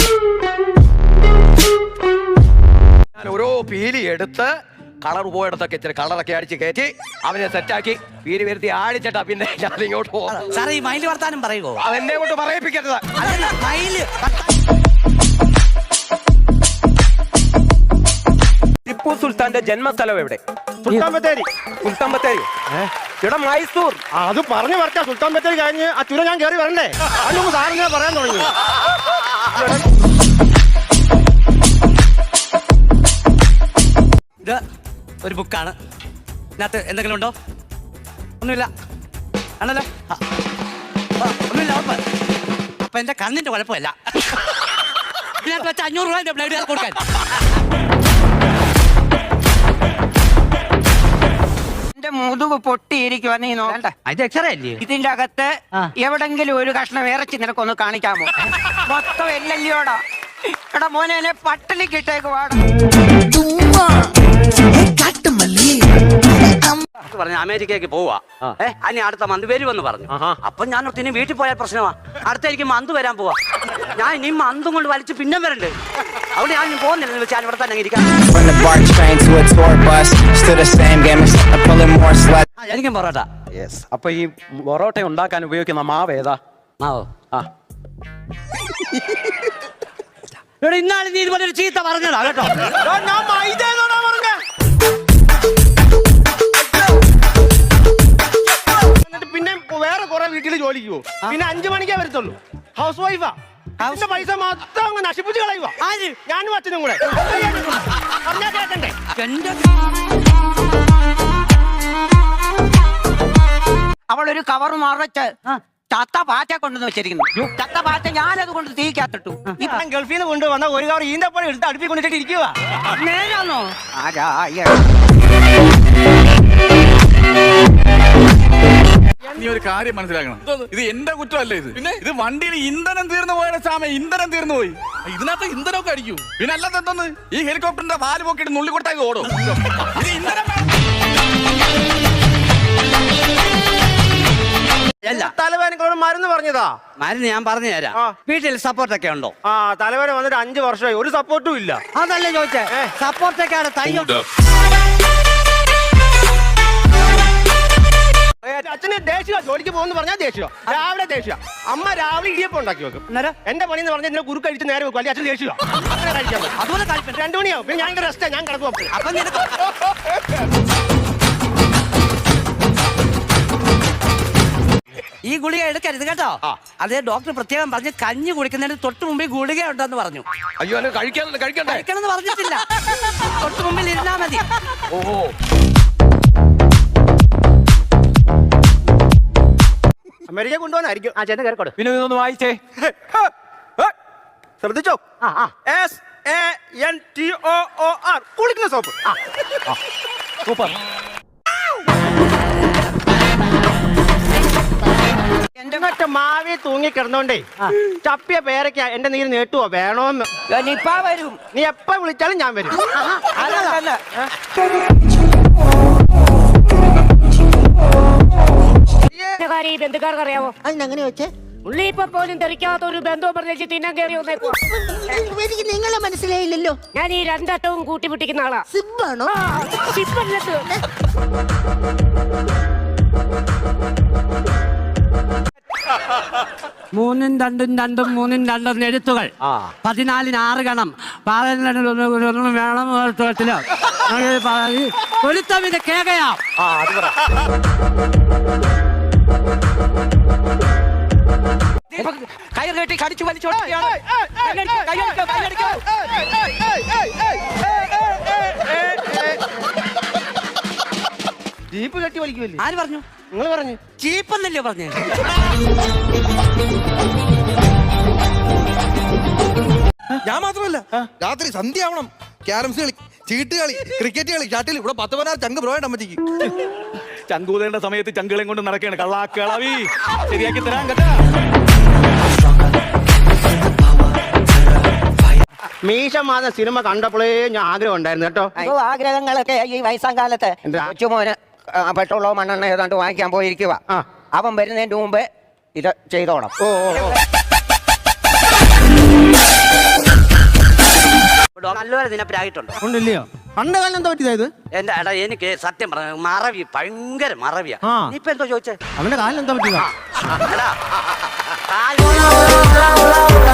ഓരോ പീലി എടുത്ത് കളർ പോയിടത്തൊക്കെ ഇച്ചിരി കളറൊക്കെ അടിച്ച് കയറ്റി അവനെ സെറ്റാക്കി പീലി വരുത്തി ആടിച്ചിട്ടാ പിന്നെ ഞാൻ ഇങ്ങോട്ട് പോകും. സാറേ ഈ മയില് വർത്താനം പറയുമോ? അതെന്നെ കൊണ്ട് പറയിപ്പിക്കരുത്. മയില് ടിപ്പു സുൽത്താന്റെ ജന്മസ്ഥലം എവിടെ? സുൽത്താൻ ബത്തേരി. സുൽത്താൻ ബത്തേരി ഇവിടെ മൈസൂർ. അത് പറഞ്ഞു പറഞ്ഞ സുൽത്താൻ ബത്തേരി കഴിഞ്ഞ് ആ ചുരം ഞാൻ കയറി വരണ്ടേ? അതിനൊന്നും സാറിന് പറയാൻ തുടങ്ങി. ഇത് ഒരു ബുക്കാണ്. ഇതിനകത്ത് എന്തെങ്കിലും ഉണ്ടോ? ഒന്നുമില്ല ആണല്ലോ. ഒന്നുമില്ല. അപ്പൊ എന്റെ കണ്ണിന്റെ കുഴപ്പമില്ല. ഇതിനകത്ത് വെച്ച 500 രൂപ ബ്ലഡ് കൊടുക്കാൻ. എന്റെ മുതുക് പൊട്ടിയിരിക്കുവാ, നീ നോക്കണ്ട. ഇത് എക്സ്റേ അല്ലേ? ഇതിന്റെ അകത്ത് എവിടെങ്കിലും ഒരു കഷ്ണം ഇറച്ചി നിനക്കൊന്ന് കാണിക്കാമോ? മൊത്തം എല്ലല്ലോടാ. എടാ മോനെ, എന്നെ പട്ടിണിക്ക് ഇട്ടേക്ക് വാടാ. പറഞ്ഞ അമേരിക്കയ്ക്ക് പോവാ. അനി അടുത്ത മന്ത് വരുമെന്ന് പറഞ്ഞു. അപ്പൊ ഞാൻ ഇനി വീട്ടിൽ പോയാൽ പ്രശ്നമാ. അടുത്ത എനിക്ക് മന്ത് വരാൻ പോവാ. ഞാൻ ഇനി മന്തും കൊണ്ട് വലിച്ച് പിന്നെ വരണ്ട്. അവിടെ ഞാൻ പോകുന്നില്ല വെച്ചാൽ ഇവിടെ തന്നെ ഇരിക്കാം. എനിക്കും പൊറോട്ട. അപ്പൊ ഈ പൊറോട്ട ഉണ്ടാക്കാൻ ഉപയോഗിക്കുന്ന മാവ് ഏതാ? മാവോ? ഇന്നാളെ നീ ഇതുപോലെ ഒരു ചീത്ത പറഞ്ഞതാ കേട്ടോ. പിന്നെ വേറെ കുറെ വീട്ടിൽ ജോലിക്ക് പോകും. പിന്നെ 5 മണിക്കേ വരത്തുള്ളൂ. ഹൗസ് വൈഫാ. അതിന്റെ പൈസ മൊത്തം അങ്ങ് നശിപ്പിച്ച് കളയുവാ. ഞാനും അച്ഛനും കൂടെ പറഞ്ഞാ കേക്കണ്ടേ? അവളൊരു കവർ മറച്ച് ചത്ത പാറ്റ കൊണ്ടുവന്ന് വെച്ചിരിക്കുന്നു. ചത്ത പാറ്റ ഞാനത് കൊണ്ട് തീക്കാത്തിട്ടു. ഇപ്പം ഗൾഫിൽ നിന്ന് കൊണ്ടുവന്ന ഒരു കവർ ഈന്തപ്പഴം എടുത്ത് അടുപ്പിൽ കൊണ്ടിട്ട് ഇരിക്കുക. നേരാണോ? നീ ഒരു കാര്യം മനസ്സിലാക്കണം, ഇത് എന്റെ കുറ്റമല്ല. ഇത് വണ്ടിയിൽ ഇന്ധനം തീർന്നു പോയ സാമ ഇന്ധനം തീർന്നു പോയി. ഇതിനകത്ത് ഇന്ധനമൊക്കെ അടിക്കൂ. പിന്നെ അല്ലാത്ത എന്തോന്ന് ഈ ഹെലികോപ്റ്ററിന്റെ വാല് പോക്കിട്ട് നുള്ളി കൊടുത്താൽ ഓടും. ഇത് ഇന്ധനം തലവേദനകളോട് മരുന്ന് പറഞ്ഞതാ. മരുന്ന് ഞാൻ പറഞ്ഞു തരാം. വീട്ടിൽ സപ്പോർട്ടൊക്കെ ഉണ്ടോ? തലവേദന വന്നിട്ട് 5 വർഷമായി, ഒരു സപ്പോർട്ടും ഇല്ല. അതല്ലേ ചോദിച്ചേ. സപ്പോർട്ടൊക്കെയാണ് തയ്യോ. അച്ഛന് ദേഷ്യ, ജോലിക്ക് പോകുന്ന പറഞ്ഞാൽ ദേഷ്യ. രാവിലെ ദേഷ്യ. അമ്മ രാവിലെ ഇടിയപ്പം ഉണ്ടാക്കി വെക്കും. എന്റെ പണി എന്ന് പറഞ്ഞാൽ കുറുക്ക് കഴിച്ച് നേരെ വെക്കും. അല്ലെങ്കിൽ അച്ഛൻ ദേഷ്യ. അങ്ങനെ കഴിക്കാൻ പറ്റും. അതുപോലെ 2 മണിയാവും. പിന്നെ ഞാൻ റെസ്റ്റ്, ഞാൻ കിടക്കും. ഈ ഗുളിക എടുക്കരുത് കേട്ടോ. അതേ ഡോക്ടർ പ്രത്യേകം പറഞ്ഞ് കഞ്ഞി കുടിക്കുന്നതിന് തൊട്ട് മുമ്പിൽ ഗുളിക ഉണ്ടെന്ന് പറഞ്ഞു. അയ്യോ, കഴിക്കണമെന്ന് പറഞ്ഞിട്ടില്ല. തൊട്ട് മുമ്പിൽ ഇരുന്നാ മതി. ഓഹോ. അമേരിക്ക കൊണ്ടുപോകാനായിരിക്കും. ചെന്ന് കയറിക്കോട്. പിന്നെ ഇതൊന്ന് വായിച്ചേ. ശ്രദ്ധിച്ചോ? SANTOOR കുളിക്കുന്ന സോപ്പ്. സൂപ്പർ. എന്റെ മറ്റേ മാവി തൂങ്ങി കിടന്നോണ്ടേ ചപ്പിയ പേരൊക്കെ എന്റെ നീര് നീട്ടുവോ വേണോന്ന്. നിപ്പ വരും. നീ എപ്പ വിളിച്ചാലും ഞാൻ വരും. ബന്ധുക്കാർക്ക് അറിയാമോ? അതിനെങ്ങനെ വെച്ചേ? ഉള്ളി ഇപ്പൊ പോലും തെറിക്കാത്ത ഒരു ബന്ധവും പറഞ്ഞ് തിന്നാൻ കയറി വന്നേക്കോ. എനിക്ക് നിങ്ങളെ മനസ്സിലായില്ലല്ലോ. ഞാൻ ഈ 2 അറ്റവും കൂട്ടി പിടിക്കുന്ന ആളാ. സിബാണോ? മൂന്നും രണ്ടും എഴുത്തുകൾ 14 6 ഗണം വേണം. കൊലുത്തമിന്റെ കേകയാ. കയർ കെട്ടി കടിച്ചു വലിച്ചോ. ജീപ്പ് കെട്ടി വലിക്കുമല്ലേ? ആര് പറഞ്ഞു? നിങ്ങൾ പറഞ്ഞു. ചീപ്പെന്നല്ലേ പറഞ്ഞു? ഞാൻ മാത്രമല്ല, രാത്രി സന്ധ്യ ആവണം. ക്യാരംസ് കളി, ചീട്ട് കളി, ക്രിക്കറ്റ് കളി, ഷട്ടിൽ. ഇവിടെ 10-16 ചങ്ക് ബ്രോയുടെ അമ്മച്ചിക്ക്. ചങ്കൂതേണ്ട സമയത്ത് ചങ്കുകളെയും കൊണ്ട് നടക്കുകയാണ്. കള്ളാക്കളവി ശരിയാക്കി തരാൻ കേട്ടാ. മീശമാധ സിനിമ കണ്ടപ്പോഴേ ഞാൻ ആഗ്രഹം ഉണ്ടായിരുന്നു കേട്ടോ. ആഗ്രഹങ്ങളൊക്കെ ഈ വയസ്സാം കാലത്ത് കൊച്ചുമോന് പെട്രോളോ മണ്ണെണ്ണ ഏതാണ്ട് വാങ്ങിക്കാൻ പോയിരിക്കുക. അവൻ വരുന്നതിന്റെ മുമ്പ് ഇത് ചെയ്തോണം. നല്ലപോലെ നിന്നെ പ്രായിട്ടുണ്ടോ? ഉണ്ടല്ലയോ പണ്ട് കാലം എന്താ പറ്റിയതായത്? എന്റെ എടാ എനിക്ക് സത്യം പറഞ്ഞ മറവി ഭയങ്കര മറവിയാ. ആ. നീ ഇപ്പൊ എന്തോ ചോദിച്ചേ? അവന്റെ കാലം എന്താ പറ്റിയതാ? എടാ, കാല്